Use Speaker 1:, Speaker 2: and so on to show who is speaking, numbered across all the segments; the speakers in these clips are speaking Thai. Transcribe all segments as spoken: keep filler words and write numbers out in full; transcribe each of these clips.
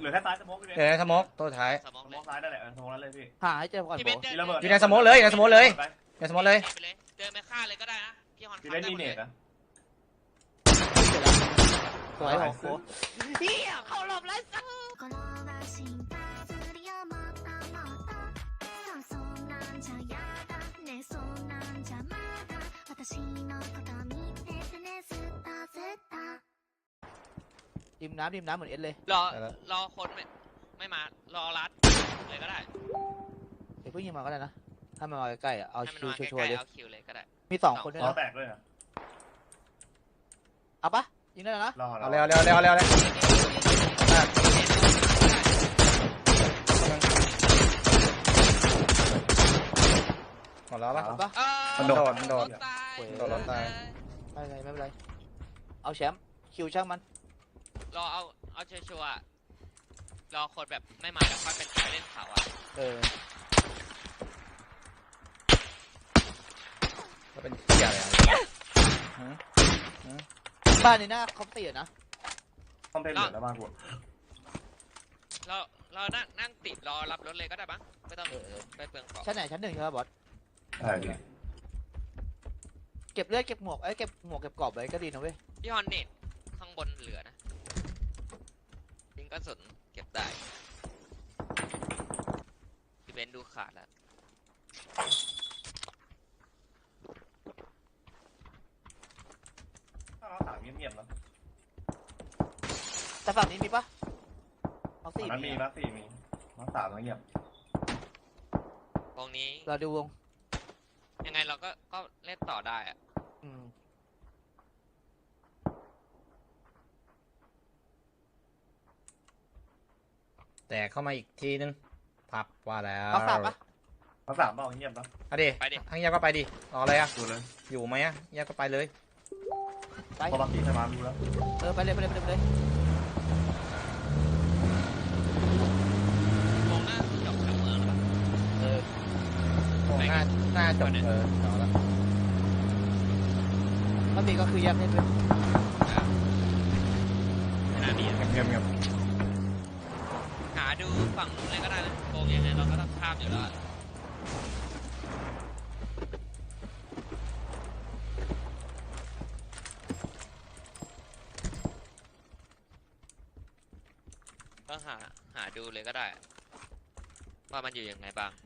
Speaker 1: ลือแค่ซ้ายสโมกพี่เบน
Speaker 2: เดี๋ยวในสโมกตัวท้าย
Speaker 3: สมอง
Speaker 1: ส
Speaker 3: เล
Speaker 1: โม
Speaker 3: ย
Speaker 1: กซ้ายนั่นแหละสโมกนั้นเลยพี่
Speaker 4: หาให้เจอก่อน
Speaker 3: พี่
Speaker 4: โบ
Speaker 3: เบนเดิน
Speaker 1: มีระเบิด
Speaker 2: อยู่ในสโมกเลยในสโมกเลยในสโมกเลย
Speaker 3: ไปเลยเดินไปฆ่าเลยก็ได้นะพี่ฮอน
Speaker 1: พี่เบนมีเนตนะ
Speaker 4: สวยของโค้เฮียเข้าหลบแล้วสัก ดิมน้ำดิมน้ำเหมือนเอสเลย
Speaker 3: รอรอคนไม่ไม่มารอรัดเลยก็ได้
Speaker 4: เดี๋ยวเพิ่งยิงมาก็ได้นะถ้ามันมาใกล้ๆอ่ะเอา
Speaker 3: ให้มัน
Speaker 4: คิว
Speaker 3: มาใก
Speaker 4: ชัวร์
Speaker 3: ล้
Speaker 4: ๆเลย
Speaker 3: ๆเอาคิวเลยก็ได้
Speaker 4: มีสองคนด้วย
Speaker 1: ล้อ
Speaker 4: นะ
Speaker 1: แตกด้วยนะ
Speaker 4: เอาปะยิงได้แล้วนะ
Speaker 1: รอ
Speaker 2: เอาเร็วเร็วเร็วเร็วเลยหมดแล้วปะ
Speaker 4: เอาปะ
Speaker 2: มันโดดมันโดด
Speaker 3: ตาย
Speaker 2: โดดรถตาย
Speaker 4: ไม่เป็นไรไม่เป็นไรเอาแชมป์คิวช่างมัน
Speaker 3: รอเอาเอาชัวร์ๆรอคนแบบไม่มาแล้วค่อยเป็นการเล่นเขาอ่ะ
Speaker 4: เออ
Speaker 2: ก็เป็นเหี้ยอะไรอ่ะ
Speaker 4: บ้านนี้น่าคอมเตียนะ
Speaker 1: คอมเพลตเหลือแล้วบ้างกู
Speaker 3: เราเรานั่งนั่งติดรอรับรถเลยก็ได้บ้างไม่ต้อง
Speaker 4: เออ
Speaker 3: ไปเปลืองเกาะ
Speaker 4: ชั้นไหนชั้นหนึ่งใช่ไหมบอส
Speaker 1: ใช่พี่
Speaker 4: เก็บเลือดเก็บหมวกเอ้ยเก็บหมวกเก็บกรอบไว้ก็ดีนะเว้ย
Speaker 3: พี่ฮอนเน็ตข้างบนเหลือนะยิงกระสุนเก็บได้พี่เบนดูขาดแล้ว
Speaker 1: ถ้าเราถามเงียบๆแล้ว
Speaker 4: แต่ฝั่งนี้มีปะเอา
Speaker 1: ฝั่
Speaker 4: สี่
Speaker 1: งนั้นมี
Speaker 4: มี
Speaker 1: มาสี่มีมาสามแล้วเงียบ
Speaker 3: วงนี้
Speaker 4: เราดูวง
Speaker 3: ยังไงเราก็ก็เล่นต่อได้อะ
Speaker 4: อืม
Speaker 2: แต่เข้ามาอีกทีนึงพับว่าแล้ว
Speaker 4: เอาสามปะ
Speaker 1: มาสามเปล่าเงียบแล้ว
Speaker 2: เอาดิ
Speaker 3: ไปดิ
Speaker 2: ทั้งยาก็ไปดิรออะไรอ่ะ
Speaker 1: ดูเลย
Speaker 2: อยู่ไหมอ่ะยาก็ไปเลย
Speaker 4: ไป
Speaker 1: พอมาสี่ใช่ไหมดูแล้ว
Speaker 4: เออไปเลยไปเลยไปเลยไปเลย
Speaker 3: วงหน้าจบทั้งเมืองแล้วปะ
Speaker 4: เออ
Speaker 2: โอ้หน้าหน้าจบเออเอาละ
Speaker 4: ถ้ามีก็คือแยกให้เป็น
Speaker 3: อ่ะขนาดนี้อะ
Speaker 2: เงียบเงียบ
Speaker 3: หาดูฝั่งนู้นเลยก็ได้นะวงยังไงเราก็ต้องข้ามอยู่แล้วอะก็หาหาดูเลยก็ได้ว่ามันอยู่ยังไงบ้าง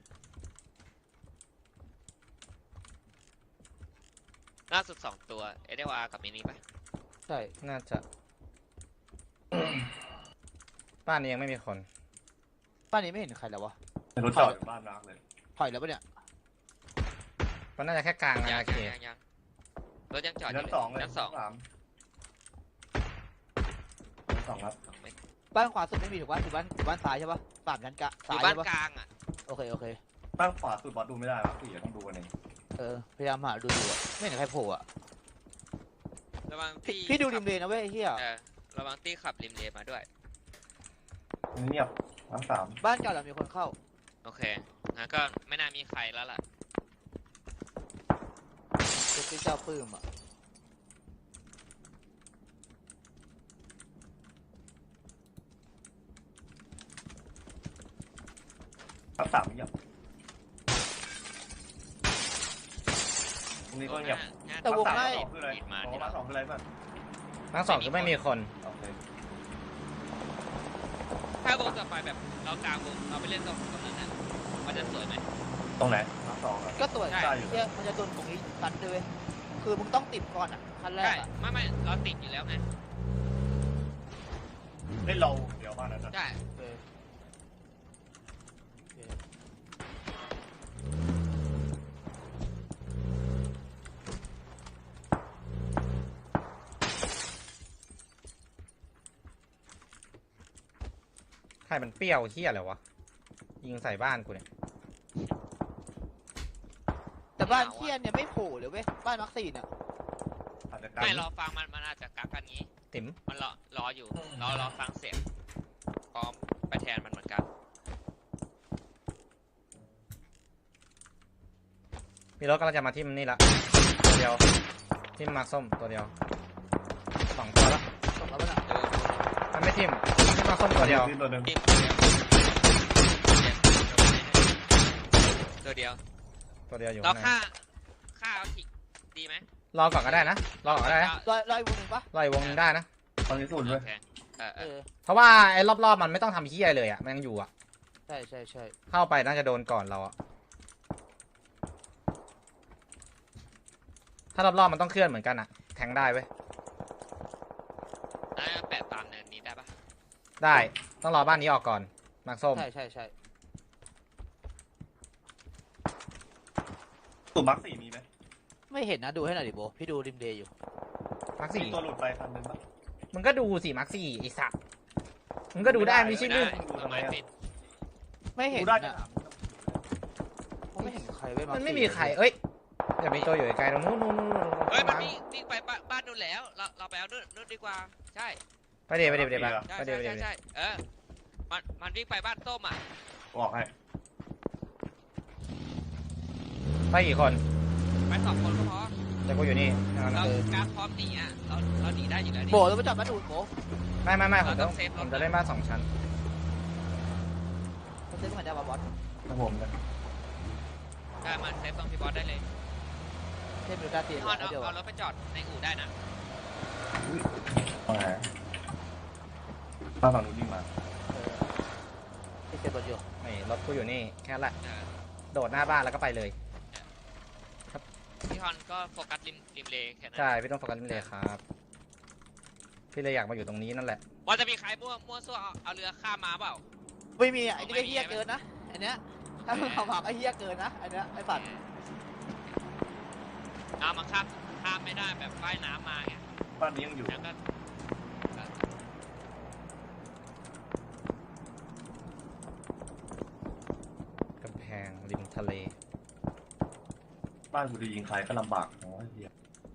Speaker 3: ล่าสุดสองตัวเอเดวอาร์กับมินิไป
Speaker 4: ใช่
Speaker 2: น่าจะ บ้านนี้ยังไม่มีคน
Speaker 4: บ้านนี้ไม่เห็นใครแล้ววะ
Speaker 1: รถจอดอยู่บ้านรักเลย
Speaker 4: ถอยแล้วปะเนี่ย
Speaker 2: มันน่าจะแค่กลาง
Speaker 3: ยั
Speaker 2: อาง ณาเข
Speaker 3: ยัง
Speaker 2: ต
Speaker 3: ยังยังรถยังจอดอ
Speaker 1: ชั้
Speaker 3: ยู่
Speaker 1: น
Speaker 3: เลย
Speaker 1: สองเลย
Speaker 3: ชั้นสอง
Speaker 1: สามชั้นสองครับ
Speaker 3: สองเมตร
Speaker 4: บ้านขวาสุดไม่มีถูกปะอยู่บ้านอยู่บ้านซ้ายใช่ปะสามชั้นกะ
Speaker 3: อ
Speaker 4: ซ้าย
Speaker 3: ยู่บ้าน
Speaker 4: ใช่ปะ
Speaker 3: กลางอ่ะ
Speaker 4: โอเคโอเค
Speaker 1: บ้านขวาสุดบอสดูไม่ได้ครับสี่ต้องดูกันเอง
Speaker 4: เออพยายามหาดูดูอะไม่เห็นใครโผล่อะ
Speaker 3: ระวัง
Speaker 4: พี่
Speaker 3: ที่
Speaker 4: พี่ดูริมเลนนะเว้ยไอ้เฮีย
Speaker 3: เออระวังที่ขับริมเลนมาด้วย
Speaker 1: เงียบมาสาม
Speaker 4: บ้านเก่าเรามีคนเข้า
Speaker 3: โอเคงั้นก็ไม่น่ามีใครแล้วล่ะ
Speaker 4: เจ็บที่เจ้าปื้มอะ
Speaker 1: มาสามเงียบตรงนี้ก็เงียบ
Speaker 4: แต่วงไล่
Speaker 1: สองคืออะไร
Speaker 3: ปิดมา
Speaker 1: สอง
Speaker 3: ที่
Speaker 1: มา
Speaker 3: เรา
Speaker 1: สองคืออะไรบ้าง
Speaker 2: ทั้งสองก็ไม่มีคน
Speaker 1: โอเค
Speaker 3: ถ้าวงต่อไปแบบเรากลางวงเราไปเล่นตรงตรงนั้นน่ะมันจะสวยไหม
Speaker 1: ตรงไหนมาสองครับ
Speaker 4: ก็ตัว
Speaker 3: ใช่
Speaker 1: ใช่อยู่
Speaker 4: เฮียมันจะโดนตรงนี้ตันด้วยเว้ยคือมึงต้องติดก่อนอะขั้นแร
Speaker 3: ใช่
Speaker 4: กอะ
Speaker 3: ไม่ไม่เราติดอยู่แล้วไง
Speaker 1: เล่นเราเดี๋ยวบ้านนั้นนะ
Speaker 3: ใช่
Speaker 4: เออโอเค
Speaker 2: ใครมันเปรี้ยวเฮี้ยอะไรวะยิงใส่บ้านกูเนี่ย
Speaker 4: แต่บ้านเฮียเนี่ยไม่โผล่เลยเว้ยบ้านมักซี่เนี่ย
Speaker 1: อาจจะกัน
Speaker 3: ไม่รอฟังมันมันอาจจะกักกันงี้
Speaker 2: ติ๋ม
Speaker 3: มันรอรออยู่รอรอฟังเสียงพร้อมไปแทนมันเหมือนกัน
Speaker 2: มีรถกำลังจะมาทิ่มนี่ละตัวเดียวทิ่มมาส้มตัวเดียวสองตัวละ
Speaker 4: ส่งแล้วปะเนี่ย
Speaker 3: ดู
Speaker 2: มันไม่ทิ่มมันทิ่มมาส้มตัวเดียว
Speaker 1: ที่ตัวหนึ่ง
Speaker 3: ทีมตัวเดียว
Speaker 2: ตัวเดียวอยู่
Speaker 3: เรา
Speaker 2: ข้างใน
Speaker 3: ฆ่าฆ่าเอาทีดีไหม
Speaker 2: รอก่อนก็ได้นะรอก่อนก็ได้นะ
Speaker 4: ลอยลอยวงหนึ่งปะ
Speaker 2: รออีกวงนึงได้นะ
Speaker 1: ตอนนี้สูตรด้วย
Speaker 3: โอเคเออเอ
Speaker 4: เอ
Speaker 3: อ
Speaker 4: อ
Speaker 2: เพราะว่าไอ้รอบๆมันไม่ต้องทำเฮียเลยอ่ะมันยังอยู่อ่ะ
Speaker 4: ใช่ใช่ใช่
Speaker 2: เข้าไปน่าจะโดนก่อนเราอ่ะถ้ารอบๆมันต้องเคลื่อนเหมือนกันอ่ะแทงได้เว้ย
Speaker 3: น่าจะแปะตามเนินนี้ได้ปะ
Speaker 2: ได้ต้องรอบ้านนี้ออกก่อนมาร์คส้ม
Speaker 4: ใช่ใช่ใช่
Speaker 1: สูตรมาร์คสี่มีไหม
Speaker 4: ไม่เห็นนะดูให้หน่อยดิโบพี่ดูริมเดย์อยู่
Speaker 2: มาร์ค
Speaker 1: มี
Speaker 2: สี่
Speaker 1: ตัวหลุดไปคันหนึงปะ
Speaker 2: มึงก็ดูสิมาร์คสี่ไอสัตว์มึงก็ดูได้ไม่ใช่เรื่อง
Speaker 3: ได้ต้นไม้ปิด
Speaker 4: ไม่เห็น
Speaker 1: ดูได้จะ
Speaker 4: นะ
Speaker 1: ถาม
Speaker 4: ผมไม่เห็นใครเว้ย
Speaker 2: มันไม่มีใครเอ้ยอย่ามีตัวอยู่ไกลๆตรงนู้นนู้นนู้นนู้น
Speaker 3: เฮ้ยมันวิ่งวิ่งไปบ้านบ้านนู่นแล้วเราเราไปเอานู่นนู่นดีกว่าใช่
Speaker 2: ไปเดี๋ยวไปเดี๋ยวไปเดี๋ยว
Speaker 3: ใช่
Speaker 2: ไปเดี๋ยวไปเดี๋
Speaker 3: ใช่
Speaker 2: ยว
Speaker 3: ใช่เออมันมันวิ่งไปบ้านส้มอ่ะ
Speaker 1: บอกให้
Speaker 2: ไปกี่คน
Speaker 3: ไปสองคนก็พอ
Speaker 2: เดี๋ยวกูอยู่นี่
Speaker 3: เราการพร้อมหนีอ่ะเราเราหนีได้อยู่แล้วนี่
Speaker 4: โบเราไปจับมาดูโบ
Speaker 2: ไม่ไม่ไม่ผมต้อง
Speaker 3: เราต้องเซฟรถ
Speaker 2: ผมจะเล่นบ้านสองชั้น
Speaker 4: เขาซื้อมาได้ป่ะบอส
Speaker 1: ครับผมนะ
Speaker 3: ได้มาเซฟตรงพี่บอสได้เลย
Speaker 4: เทพมิวดาตี
Speaker 3: พี่ฮอนเอา
Speaker 4: เดียว
Speaker 3: เอารถไปจอดในอู่ได้นะ
Speaker 1: ว่าไงบ้านฝั่งนู้นวิ่งมา
Speaker 4: เออที่เซฟรถอยู่
Speaker 2: นี่รถกูอยู่นี่แค่นั้นแหละ
Speaker 3: เออ
Speaker 2: โดดหน้าบ้านแล้วก็ไปเลย
Speaker 3: พี่ฮอนก็โฟกัสริมริมเลแค่นั้น
Speaker 2: ใช่พี่ต้องโฟกัสนี่เลยครับพี่เลยอยากมาอยู่ตรงนี้นั่นแหละ
Speaker 3: ว่าจะมีใครมั่วมั่วซั่วเอาเอาเรือข้ามมาเปล่า
Speaker 4: ไม่มีอ่ะไอ้นี่ก็เฮี้ยเกินนะอันเนี้ยถ้ามึงขับผับไอ้เฮี้ยเกินนะอันเนี้ยไอ้ปัด
Speaker 3: เอามาข้ามข้ามไม่ได้แบบว่ายน้ำมาไง
Speaker 1: บ้านนี้ยังอยู่
Speaker 3: แล้วก็
Speaker 2: กำแพงริมทะเล
Speaker 1: บ้านกูจะยิงใครก็ลำบากโอ้ยเหี้ย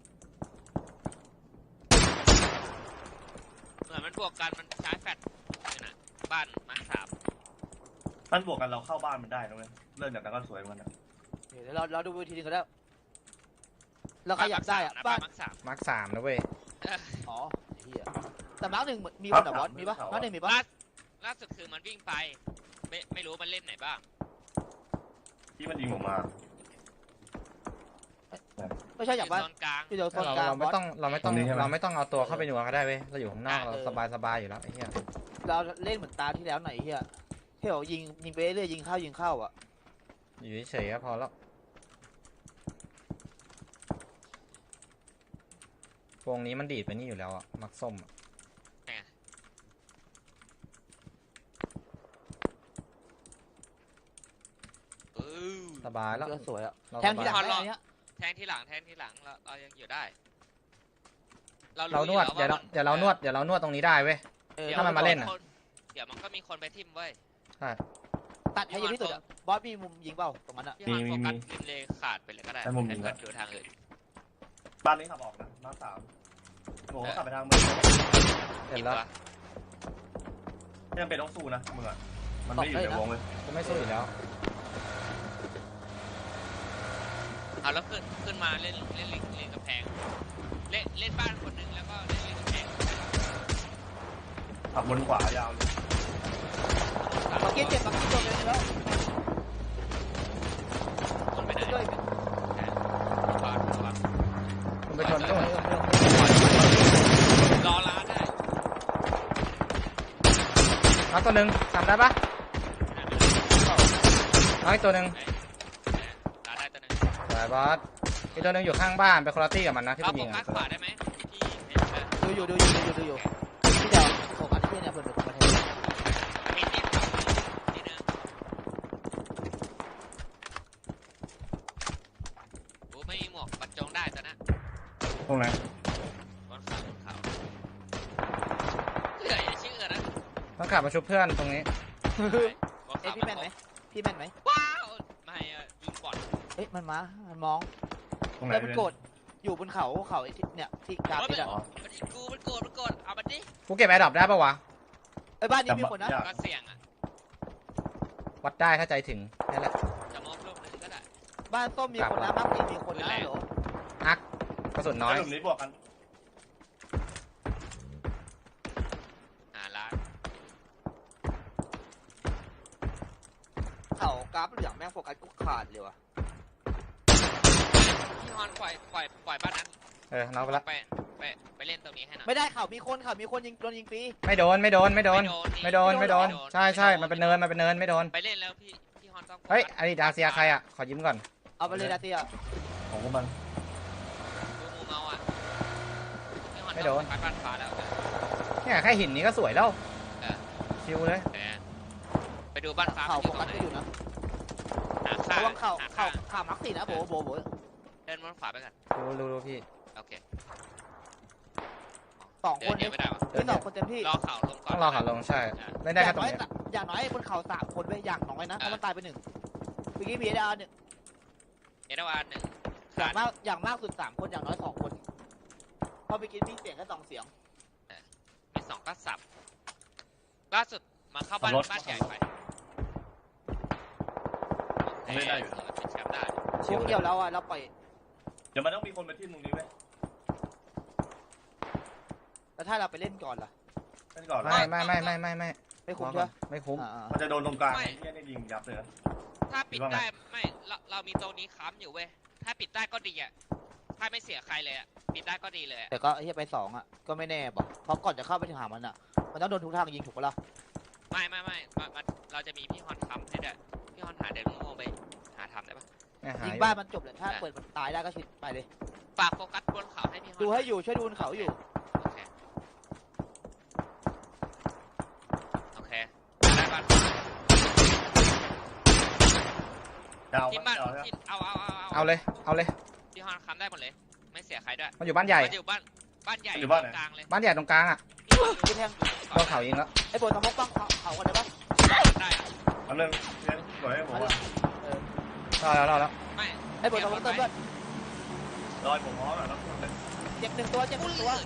Speaker 3: เหมือนมันบวกกันมันใช้แฟลชนี่นะบ้านมาร์คสาม
Speaker 1: มันบวกกันเราเข้าบ้านมันได้นะเว้ยเรื่องจากนั้นก็สวยเหมือนกันนะ
Speaker 4: เดี๋ยวเราเราดูวิธีนึงก็ได้เราขยับได้อ่ะ
Speaker 3: บ้า
Speaker 4: บ้าน น
Speaker 3: มาร์คสาม
Speaker 2: มาร์คสามนะเว้ย
Speaker 4: อ๋อเฮียแต่มาร์กหนึ่งมีคนเหรอบอสมีปะมาร์กหนึ่งมีปะ
Speaker 3: ล่าล่าสุดคือมันวิ่งไป ไม่ไม่รู้มันเล่นไหนบ้าง
Speaker 1: ที่มันยิงผมมา
Speaker 4: ไม่ใช่อย่างบ้าน
Speaker 3: โซนกลาง
Speaker 4: ที่เดียวโซน
Speaker 2: เรา
Speaker 4: กลาง
Speaker 2: เรา
Speaker 4: บ
Speaker 2: ไม่
Speaker 4: อส
Speaker 2: ต้องเราไม่ต้องเราไม่ต้องเอาตัวเข้าไปนัวก็ได้เว้ยเราอยู่ข้างนอกเราสบายสบายอยู่แล้วไอ้เหี้ย
Speaker 4: เราเล่นเหมือนตาที่แล้วหน่อยเฮียที่เรายิงยิงไปเรื่อยยิงเข้ายิงเข้าอ่ะ
Speaker 2: อยู่เฉยๆก็พอแล้ววงนี้มันดีดไปนี่อยู่แล้วอะมักส้มอะ
Speaker 3: เออ
Speaker 2: สบายแล้ว
Speaker 4: ก็สวยอ่ะ
Speaker 2: เรา
Speaker 4: แท
Speaker 2: ส
Speaker 4: งที่
Speaker 2: บา
Speaker 4: หลั
Speaker 2: ย
Speaker 4: งได้อันเนี้ย
Speaker 3: แทงที่หลังแทงที่หลังเราเรายังอยู่ได้
Speaker 2: เรานวด
Speaker 3: รู้
Speaker 2: เดี๋ยว
Speaker 3: อ
Speaker 2: เราเดี๋ยวเรานวดเดี๋ยวเรานวดตรงนี้ได้เว้ย
Speaker 4: เออ
Speaker 3: ดี๋ยว
Speaker 2: ถ้ามันมาเล่นอะ
Speaker 3: คเดี๋ยวมันก็มีคนไปทิมเว้ย
Speaker 2: ใช่
Speaker 4: ตัดให้เยอะที่สุดอ่ะบอสมีมุมยิงเปล่าตรงนั้นอ่ะ
Speaker 3: พี่ฮอนโฟกัสริมเลขาดไปเลยก็ได้ให้เพื่อนดูทางอื่น
Speaker 1: บ้านนี้ขับออกนะมาร์คสามโอ้โหขับไปทางเมือง
Speaker 2: เห็นแล้ว
Speaker 1: ไม่จำเป็นต้องสู้นะมึงอะมันไม่อยู่ในวงเลย
Speaker 2: กูไม่สู้อยู่แล้ว
Speaker 3: เอาแล้วขึ้นขึ้นมาเล่นเล่นเล่นเล่นกำแพงเล่นเล่นบ้านคนหนึงแล้วก็เล่นเล่นกำแพง
Speaker 1: ขับบนขวายาวเลย
Speaker 4: บักกี้เจ็บบักกี้โดนเลยแล้ว
Speaker 3: คนไปไหน
Speaker 4: ด้วย
Speaker 3: ระวังระวัง
Speaker 2: คุณไปชนนู่น
Speaker 3: รอร้านได้
Speaker 2: เอาตัวหนึ่งทำได้ปะเอาอีกตัวหนึ่ง
Speaker 3: ร้านได้ตัวหนึง
Speaker 2: สายบอสอีกตัวหนึ่งอยู่ข้างบ้านไปคนละตี้กับมันนะที่
Speaker 3: เรา
Speaker 2: กู
Speaker 3: โฟ
Speaker 2: ยิง
Speaker 3: กั
Speaker 2: อะ
Speaker 3: สขวาได้ไหมพี่เห็นไหม
Speaker 4: ดูอยู่ดูอยู่ดูอยู่ดูอยู่ที่เดียวโฟกัสที่เนี่ยเพื่อนเป็นคนมาเท
Speaker 3: มีที่ขับที่นึงโอ้ไม่มีหมวกบรรจงได้ตัวนะ
Speaker 1: ตรงไหน
Speaker 3: บนเขาบนเขาเหนื่อยอย่าชื่อนะ
Speaker 2: ต้องขับมาชุบเพื่อนตรงนี้
Speaker 4: เอ้ยพี่แม่นไหมพี่แม่นไหม
Speaker 3: ว้าวไม่อะยิงบอล
Speaker 4: เอ้ยมันมามันมอง
Speaker 1: ตรงไหน
Speaker 4: แล้วมันโกรธอยู่บนเขาเขาไอ้ที่เนี่ยที่กราบที่อ่ะ
Speaker 3: มันยิงกูมันโกรธมันโกรธเอามันดิ
Speaker 2: กูเก็บแอร์ดรอปได้ปะวะ
Speaker 4: ไอ้บ้านนี้มีคนนะ
Speaker 3: ก็เสี่ยงอ่ะ
Speaker 2: วัดได้ถ้าใจถึงนั่นแหละ
Speaker 3: จะมองลูกนึงก็ได้
Speaker 4: บ้านส้มมีคนนะมักมีมีคนนะเหรอ
Speaker 2: อักกระสุนน้อย
Speaker 1: กลุ่มนี้บวกกัน
Speaker 3: หาร้าน
Speaker 4: าเหลืองแม่งโฟกัสกูขาดเลยว่ะ
Speaker 3: พี่ฮอนปล่อยปล่อยปล่อยบ้านนั้น
Speaker 2: เออน็อกไปละ
Speaker 3: ไปไปไปเล่นตรงนี้ให้หน่อย
Speaker 4: ไม่ได้ข่าวมีคนข่าวมีคนยิงโดนยิงฟรี
Speaker 2: ไม่โดนไม่โดนไม่โดน ไม่โดนไม่โดน
Speaker 3: ไม่โดน
Speaker 2: ใช่ใช่มันเป็นเนินมันเป็นเนินไม่โดน
Speaker 3: ไปเล่นแล้วพี่พี่ฮอนต้อง
Speaker 2: เฮ้ยอันนี้ดาเซียใครอ่ะขอยิ้มก่อน
Speaker 4: เอาไปเลยดาเตีย
Speaker 1: ของพวกมัน
Speaker 3: ดูมูเมาอ่ะพี่ฮอนต้องปัดบ้านฟ้าแล้ว
Speaker 2: เนี่ยแค่หินนี้ก็สวยแล้ว
Speaker 3: เออ
Speaker 2: ชิวเลย
Speaker 3: แต่ไปดูบ้านฟ้า
Speaker 4: ข่าว
Speaker 3: มันอ
Speaker 4: โฟ
Speaker 3: ยู่ตร
Speaker 4: กัส
Speaker 3: งไหน
Speaker 4: ก็อยู่นะ
Speaker 3: หาค่า
Speaker 4: ระวังข่าว
Speaker 3: หา
Speaker 4: ข่า
Speaker 3: ค่าว
Speaker 4: ข่าวมักสี่นะโบโบโบ
Speaker 3: เดินบนขวาไปก่อน
Speaker 2: รู้รู้รู้พี่
Speaker 3: โอเค
Speaker 4: สอง
Speaker 3: เดิ
Speaker 4: คน น
Speaker 3: เดี๋ยวไม่ได้วะ
Speaker 4: ที่สองคนเต็มที่
Speaker 3: รอเข่าลงก่อน
Speaker 2: ต้องรอขาลงใช่เล่นได้
Speaker 4: อ
Speaker 2: แค่
Speaker 4: ย่าง
Speaker 2: ตรง
Speaker 4: น้อย
Speaker 2: นี้
Speaker 4: อย่างน้อยบนเขาสามคนไปอย่างน้อยนะเพราะมันตายไปหนึ่งเมื่อกี้มีเอดาหนึ่ง
Speaker 3: เอเดวานหนึ่ง
Speaker 4: อย่างมากอย่างมากสุดสามคนอย่างน้อยสองคนเพราะเมื่อกี้มีเสียงแค่สองเสียง
Speaker 3: มีสองก็สับล่าสุดมาเข้าบ้านบ้านใหญ่ไปเป็นแชมป์ได้
Speaker 4: ช่วงเดียวแล้วอ่ะเราปล่อย
Speaker 1: เดี๋ยวมันต้องมีคนมาที่ตรงนี้ไหม
Speaker 4: แล้วถ้าเราไปเล่นก่อนล่ะ
Speaker 1: เล่นก่อน
Speaker 2: ไม่ไม่ไม่ไม่ไม่ไม่
Speaker 4: ไม่คุ้มใช่ไหม
Speaker 2: ไม่คุ้ม
Speaker 4: อ่า
Speaker 1: มันจะโดนตรงกลางไอ้เนี่ยนี่ยิงยับเลยนะ
Speaker 3: ถ้าปิดได้ไม่เราเรามีตรงนี้ค้ำอยู่เว้ยถ้าปิดได้ก็ดีอ่ะถ้าไม่เสียใครเลยอ่ะปิดได้ก็ดีเลย
Speaker 4: แต่ก็เฮียไปสองอ่ะก็ไม่แน่บอกเพราะก่อนจะเข้าไปถึงหามันอ่ะมันต้องโดนทุกทางยิงถูกปะล่ะ
Speaker 3: ไม่ไม่ไม่มันเราจะมีพี่ฮอนค้ำให้ด้วยพี่ฮอนหาเดินโง่ไปหาทำได้ปะ
Speaker 2: เนี่ยหา
Speaker 4: ยิง
Speaker 2: อยู่
Speaker 4: บ้านมันจบเลยถ้าเปิดมันตายได้ก็ชิดไปเลย
Speaker 3: ฝากโฟกัสบนเขาให้พี่ฮอน
Speaker 4: ดูให้อยู่ช่วยดูบนเขาอยู่
Speaker 3: โอเคโอเคได้บ้าน
Speaker 1: ดาว
Speaker 3: ที่
Speaker 1: บ้า
Speaker 3: บ้าน
Speaker 1: น
Speaker 3: ที่เอาเอาเอา
Speaker 2: เอาเลยเอาเลย
Speaker 3: พี่ฮอนค้ำได้หมดเลย ไม่เสียใครด้วย
Speaker 2: มันอยู่บ้านใหญ่
Speaker 3: มันอยู่บ้านบ้านใหญ่กลางเลย
Speaker 2: บ้านใหญ่ตรงกลางอ่ะ
Speaker 4: ที่แทง
Speaker 2: โดนเขายิงแล้ว
Speaker 4: ไอ้บนสมองบ้างเขาเขากันได้ปะ
Speaker 3: ได้
Speaker 1: อันนึงเนี่ยสวยให้ผมว่าร
Speaker 2: อแล้วรอแล้ว
Speaker 3: ไม่
Speaker 4: ไอ้บนสมองเติมเลือด
Speaker 1: รอยผมพร้อมแล้วแล้ว
Speaker 4: เจ็บหนึ่งตัวเจ็บหนึ่งตัว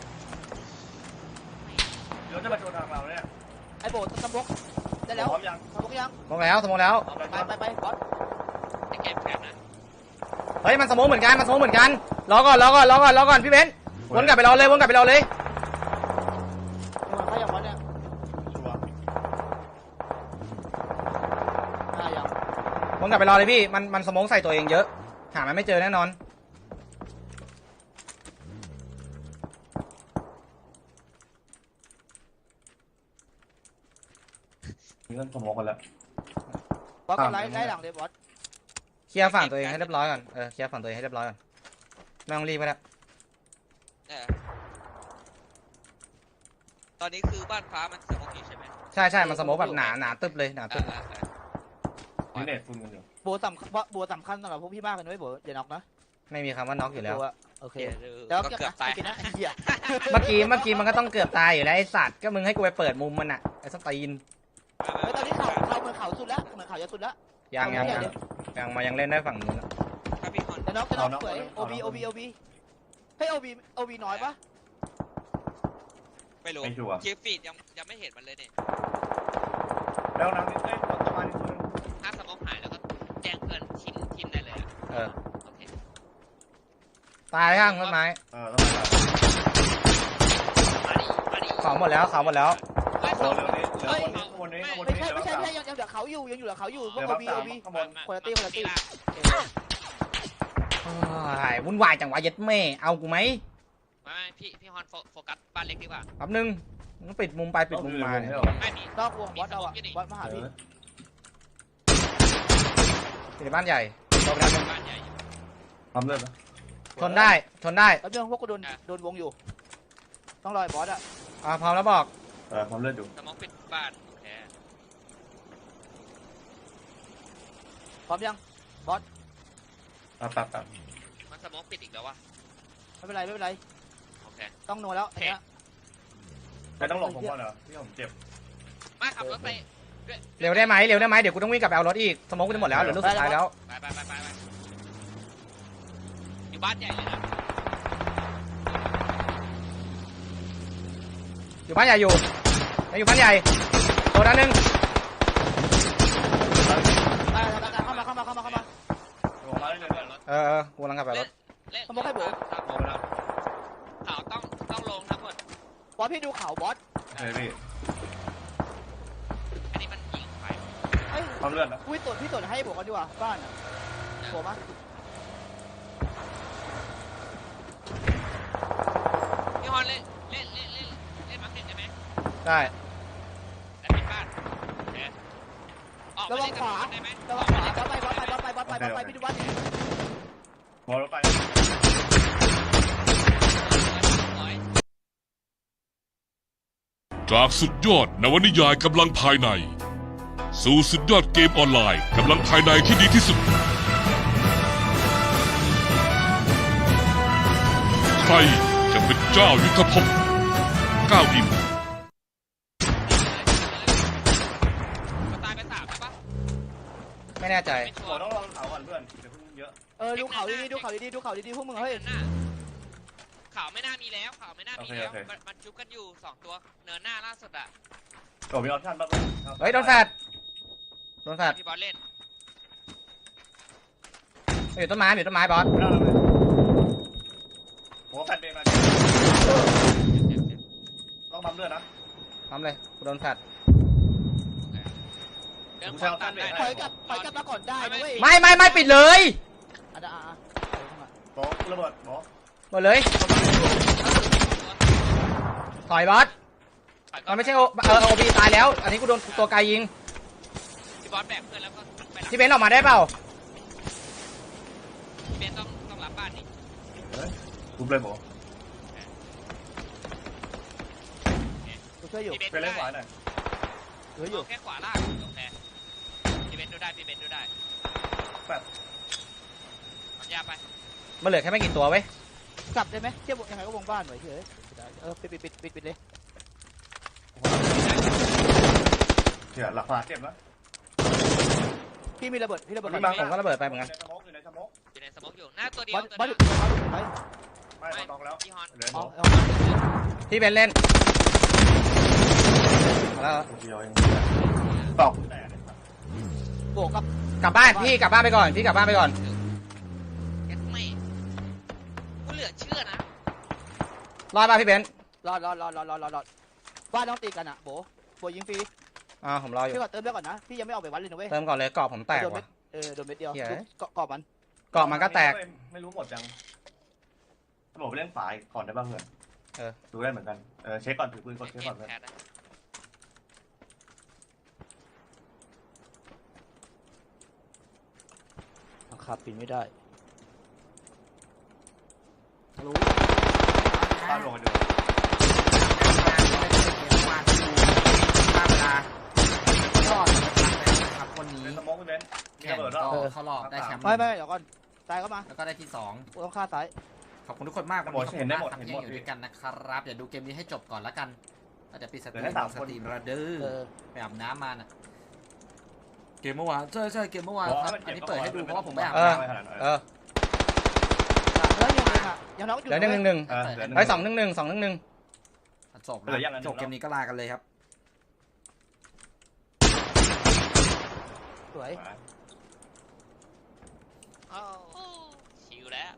Speaker 1: เดี๋ยวจะมาโดนทางเราเนี่ย
Speaker 4: ไอ้โบสมองได้แล้ว
Speaker 1: พร้อมยัง
Speaker 4: สมองยัง
Speaker 2: ลงแล้วสมองแล้ว
Speaker 1: เอาไป
Speaker 4: ไปไปไปบอส
Speaker 3: ไอ้เก็บแคปนะ
Speaker 2: เฮ้ยมันสมองเหมือนกันมันสมองเหมือนกันรอก่อนรอก่อนรอก่อนรอก่อนพี่เบนซ์วนกลับไปรอเลยวนกลับไปรอเลย
Speaker 4: มันเขาอย่างบอสเนี่ย
Speaker 1: ชัวร์
Speaker 4: อ่าอย่าง
Speaker 2: วนกลับไปรอเลยพี่มันมันสมองใส่ตัวเองเยอะหามันไม่เจอแน่นอน
Speaker 1: มีเงินสมองกันแล้ว
Speaker 4: บอสก็ไล่ไล่หลังเลยบอส
Speaker 2: เคลียร์ฝั่งตัวเองให้เรียบร้อยก่อนเออเคลียร์ฝั่งตัวเองให้เรียบร้อยก่อนไม่ต้องรีบไปแล้ว
Speaker 3: เออตอนนี้คือบ้านฟ้ามันสมองอยู่ใช่ไหม
Speaker 2: ใช่ใช่มันสมองแบบหนาหนาตึบเลยหนาตึบ
Speaker 1: นี่เน็ตฟุ่นกันอยู่
Speaker 4: โบสำคัญโบสำคัญสำหรับพวกพี่มากเลยนะโบอย่าน็อกนะ
Speaker 2: ไม่มีคำว่าน็อกอยู่แล้ว
Speaker 4: โอเค
Speaker 3: เดี๋ยว
Speaker 4: แล้ว
Speaker 3: ก็
Speaker 4: เกือบ
Speaker 3: เกือบตาย
Speaker 4: นะไอ้เหี้ย
Speaker 2: เมื่อกี้เมื่อกี้มันก็ต้องเกือบตายอยู่แล้วไอ้สัตว์ก็มึงให้กูไปเปิดมุมมันอะไอ้สตีน
Speaker 4: เฮ้ยตอนนี้เขาเขาเหมือนเขาสุดแล้วเหมือนเขาจะสุดแล้ว
Speaker 2: ยังยังยังยังมายังเล่นได้ฝั่งนู้นอะ
Speaker 3: ถ้าพี่ฮอน
Speaker 4: จะน็อกจะน็อกสวยโอบีโอบีโอบีเฮ้ยโอบีโอบีน้อยปะ
Speaker 3: ไม่รู้
Speaker 1: ไม่ชัวร์
Speaker 3: คลิปฟีดยังยังไม่เห็นมันเลยเนี่ย
Speaker 1: แล้วน้ำนิดเอ้ยประมาณนี้คน
Speaker 3: ถ้าสมองหายแล้วก็แจ้งเพื่อนทีมทีมได้เลยอะ
Speaker 2: เออ
Speaker 3: โอเค
Speaker 2: ตายข้างต้นไม้
Speaker 1: เออต้องมา
Speaker 3: มาดิมาดิ
Speaker 2: เขาหมดแล้วเขาหมดแล้ว
Speaker 3: ไล่
Speaker 1: โอ้
Speaker 3: สอง
Speaker 1: เร็วนี้เหลือคนนี้คนนี้คน
Speaker 4: ไม่
Speaker 1: นี้
Speaker 4: ใช่
Speaker 1: เหลือ
Speaker 4: ไม่ใช่
Speaker 1: สาม
Speaker 4: ไม่ใช่ยังยังเหลือเขาอยู่ยังอยู่เหลือเขาอยู่พ
Speaker 1: เห
Speaker 4: ว
Speaker 1: ลื
Speaker 4: ก
Speaker 1: อ
Speaker 4: โอ
Speaker 1: สาม
Speaker 4: บีโอบี
Speaker 1: ข้างบน
Speaker 4: คนละตี้คนละตี้
Speaker 2: โอ้ยวุ่นวายจังวะเย็ดแม่เอากูไหม
Speaker 3: ไม่ไม่พี่พี่ฮอนโฟโฟกัสบ้านเล็กดีกว่า
Speaker 2: แป๊บนึงมึงปิดมุมไปปิดมุมมาเนี่ย
Speaker 3: ไม่มี
Speaker 4: นอกวงบอสเราอะบอสมาหาพี่
Speaker 2: ปิดในบ้านใหญ่โดนไปแล้วหนึ่ง
Speaker 3: บ้านใหญ่อยู่
Speaker 1: ทำเลือดนะ
Speaker 2: ทนได้ทนได้
Speaker 4: แล้วเรื่องพวกกูโดนโดนวงอยู่ ต้องรอยบอสอะ
Speaker 2: อ่าพร้อมแล้วบอก
Speaker 1: เออทำเลือดอยู่
Speaker 3: สมองปิดบ้านโอเค
Speaker 4: พร้อมยัง
Speaker 1: ตัดตัดตัด
Speaker 3: มันสมองปิดอีกแล้ววะ
Speaker 4: ไม่เป็นไรไม่เป็นไร
Speaker 3: โอเค
Speaker 4: ต้องโนแล้วอันเนี้ย
Speaker 1: ไม่ต้องหลบผมก่อนเหรอที่ผมเจ็บ
Speaker 3: มาขับรถไป
Speaker 2: เร็วได้ไหมเร็วได้ไหมเดี๋ยวกูต้องวิ่งกลับไปเอารถอีกสมองกูจะหมดแล้วเหลือลูกสุดท้ายแล้ว
Speaker 3: ไปไปไปไปไปอยู่บ้านใหญ่เลยนะ
Speaker 2: อยู่บ้านใหญ่อยู่ยังอยู่บ้านใหญ่ตัวนั้นหนึ่ง
Speaker 4: ไปเข้ามาเข้ามาเข้ามาเข้ามา
Speaker 1: ลงมาได้เลยเนี่ย
Speaker 2: เออเออกูกำลังกลับไปเอารถ
Speaker 3: เล่น
Speaker 4: สมมุติให้ผม
Speaker 1: ลงไปแล้ว
Speaker 3: เขาต้องต้องลงทั้งหมด
Speaker 4: บอสพี่ดูเขาบอส
Speaker 1: เฮ้ยพี่
Speaker 3: อันนี้มันยิงไป
Speaker 4: เฮ้ย
Speaker 1: ความเลือดนะ
Speaker 4: อุ้ยตรวจพี่ตรวจให้ผมกันดีกว่าบ้านอ่ะผมอ่ะ
Speaker 3: พี่ฮอนเล่นเล่นเล่นเล่นเล่นมาร์เก็ตได้ไหม
Speaker 2: ได้
Speaker 3: แต่ปิดบ้านเดี๋ยวออก
Speaker 4: ระ
Speaker 3: มา
Speaker 4: วั
Speaker 3: เล่
Speaker 4: ง
Speaker 3: น
Speaker 4: ข
Speaker 3: กับ
Speaker 4: วา
Speaker 3: มันได้ไหม
Speaker 4: ระวังขวาบอสไปบอสไปบอสไปบอสไปบอสไปพี่ดูวัด
Speaker 1: มองรถไป
Speaker 3: ร้อย
Speaker 5: จากสุดยอดนวนิยายกำลังภายใน สู่สุดยอดเกมออนไลน์กำลังภายในที่ดีที่สุด ใครจะเป็นเจ้ายุทธภพก้าวอิ่ม
Speaker 3: มันตายไปสามใช่ปะ
Speaker 2: ไม่แน่ใจ
Speaker 3: ไม่ชั
Speaker 1: โห
Speaker 3: วร์
Speaker 1: ต้องลองเขาก่อนเพื่อนเดี๋ยวเพิ่งเยอะ
Speaker 4: เออดูเขาดีๆดูเขาดีๆดูเขาดีๆพวกมึงเฮ้ย
Speaker 3: เนินหน้าข่าวไม่น่ามีแล้วข่าวไม่น่ามีแล้วมันมันจุบกันอยู่สองตัวเนินหน้าล่าสุดอะ
Speaker 1: โอ้มีออปชั่นป่ะ
Speaker 2: เฮ้ยโดนแฟดโดนแฟด
Speaker 3: พี่บอลเล่น
Speaker 2: อยู่ต้นไม้อยู่ต้นไม้บอส
Speaker 1: ไม่ได้เลยผมว่าแฟดเบย์มาต้องปั๊มเลือดนะ
Speaker 2: ทำเลยกูโดนแฟด
Speaker 3: เดินขวาตามได้
Speaker 4: ถอยกลับถอยกลับมาก่อนได้นะเว้ย
Speaker 2: ไม่ไม่ไม่ปิดเลย
Speaker 4: อ่ะอ่ะอ่ะ
Speaker 1: โต๊ะระเบิดโต๊ะ
Speaker 2: หมดเลยถอยบอสมันไม่ใช่โอเออโอบีตายแล้ว อันนี้กูโดนตัวไกลยิง
Speaker 3: พี่บอลแบกเพื่อนแล้วก็ไปหลัง
Speaker 2: ที่เบนซ์ออกมาได้เปล่า
Speaker 3: พี่เบนต้องต้องรับบ้านนี่
Speaker 1: ทุบเลยโบ
Speaker 4: กูช่วยอยู่
Speaker 3: พี่เบน
Speaker 1: ไปเล่นขวาหน่อย
Speaker 4: เหลืออยู่
Speaker 3: แค่ขวาล่างโอเคพี่เบนดูได้พี่เบนดูได้
Speaker 1: แฟด
Speaker 3: ทำยาไป
Speaker 2: มันเหลือแค่ไม่กี่ตัวเว้ย
Speaker 4: กลับได้ไหมเทียบยังไงก็วงบ้านไว้เถอะเออปิดปิดปิดปิดปิดเลย
Speaker 1: เดี๋ยวหลักขวาเจ็บนะ
Speaker 4: พี่มีระเบิดพี่ระเบิด
Speaker 2: บางผมก็ระเบิดไปเหมือนกัน
Speaker 1: ในสมองอยู่ในสมอง
Speaker 3: อยู่ในสมองอยู่หน้าตัวเดีย
Speaker 4: บ
Speaker 3: ว
Speaker 4: อส
Speaker 3: ตัว
Speaker 4: บอส
Speaker 3: นึ
Speaker 4: อง ยู่บอสอยู่ไหน
Speaker 1: ไม่เขาต้องแล้ว
Speaker 3: พี่ฮอน
Speaker 1: เหลือ
Speaker 4: อ๋
Speaker 1: โบ
Speaker 4: อ
Speaker 2: ที่เบนซ์เล่นมาแล้ว
Speaker 1: เดียวเองตอกแต่
Speaker 4: บวกกับ
Speaker 2: กลับบ้านพี่กลับบ้านไปก่อนพี่กลับบ้านไปก่อน
Speaker 3: แค่ไม่กูเหลือเชื่อนะ
Speaker 2: รอดป่ะพี่เบนซ์
Speaker 4: รอดรอดรอดรอดรอดรอดรอดบ้านต้องตีกันอ่ะโบโบยิงฟรี
Speaker 2: อ่าผมรออยู่
Speaker 4: พี่ขอเติมเลือดก่อนนะพี่ยังไม่ออกไปวัดเลยนะเว้ย
Speaker 2: เติมก่อนเลยกรอบผมแตก
Speaker 4: โดนเม็
Speaker 2: ว่ะ
Speaker 4: ดเออโดนเม็ดเดียว
Speaker 2: เหี้ย
Speaker 4: เกาะเกาะมัน
Speaker 2: กรอบมันก็แตก
Speaker 1: ไม่รู้หมดยังบอกไปเล่นฝายก่อนได้บ้างเหรอเออดูได้เหมือนกันเออเช็คก่อนถือปืนกดเช็คก่อนเลย
Speaker 3: แคทนะ
Speaker 4: บังคับปีนไม่ได้
Speaker 2: รู้
Speaker 1: ตามลงไปดู
Speaker 6: ครับคนนี้
Speaker 1: ในสมองพี่เบนมี
Speaker 6: แข่
Speaker 1: ระ
Speaker 6: ง
Speaker 1: เบิด
Speaker 6: ก็
Speaker 1: แล้ว
Speaker 6: เข้ารอบได้แชมป์
Speaker 4: ไม่ไม่เดี๋ยวก่อนตายเข้ามา
Speaker 6: แล้วก็ได้ที่สอง
Speaker 4: กูต้องฆ่าซ้าย
Speaker 6: ขอบคุณทุกคนมากวันนี้ขอบคุณมากทำเที่ยงอยู่ด้วยกันนะครับเดี๋ยวดูเกมนี้ให้จบก่อนละกันอาจจะปิดสตรีมสตรีมระเด้
Speaker 4: เอ
Speaker 6: อ
Speaker 4: อ
Speaker 6: ไปอาบน้ำมาน่ะเกมเมื่อวานใช่ใช่เกมเมื่อวานครับอันนี้เปิดให้ดูเพราะว่าผมไปอาบ
Speaker 2: เออ
Speaker 6: น้ำ
Speaker 2: เออ
Speaker 4: แล้วยังไงอ่ะยังน้องอยู่
Speaker 2: เหลือหนึ่งหนึ่งหนึ่ง
Speaker 1: เออเหลือหนึ่ง
Speaker 2: ไอ้สองหนึ่งหนึ่งสองหนึ่งหนึ่ง
Speaker 6: จบแล้วจบเกมนี้ก็ลากันเลยครับ
Speaker 4: สวย
Speaker 3: โอ้ชิวแล้ว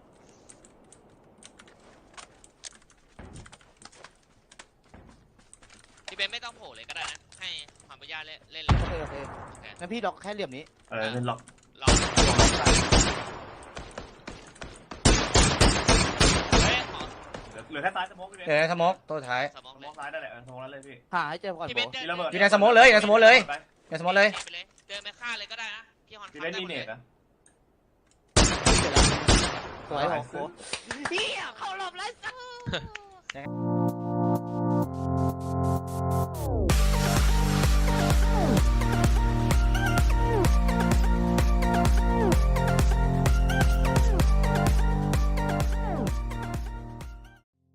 Speaker 3: พี่เบนไม่ต้องโผล่เลยก็ได้นะให้ความปัญญาเล่นเล่นเลย
Speaker 4: โอเคโอเคงั้นพี่ดอกแค่เหลี่ยมนี้
Speaker 1: เออเล่นล็อก
Speaker 3: ลองเฮ้ยขอ
Speaker 1: เหลือแค่ซ้ายสมองพี่เบน
Speaker 2: เดี๋ยวในสโมกตัวสุดท้าย
Speaker 3: สมอง
Speaker 1: สม
Speaker 3: เล
Speaker 1: อย งซ้ายนั่นแหละเออสมองนั้นเลยพี่
Speaker 4: หาให้เจอก่อน
Speaker 3: พี่
Speaker 4: โบ
Speaker 3: เบนเดิน
Speaker 1: มีระเบิด
Speaker 2: อยู่ในสโมกเลยอยู่ในสโมกเลยในสโมกเลย
Speaker 3: ไปเลยเดินไปฆ่าเลยก็ได้นะพี่ฮอน
Speaker 1: พี่เล่นมีเนตนะ
Speaker 4: สวยโอ้โหเฮียเข้ารอบแล้ว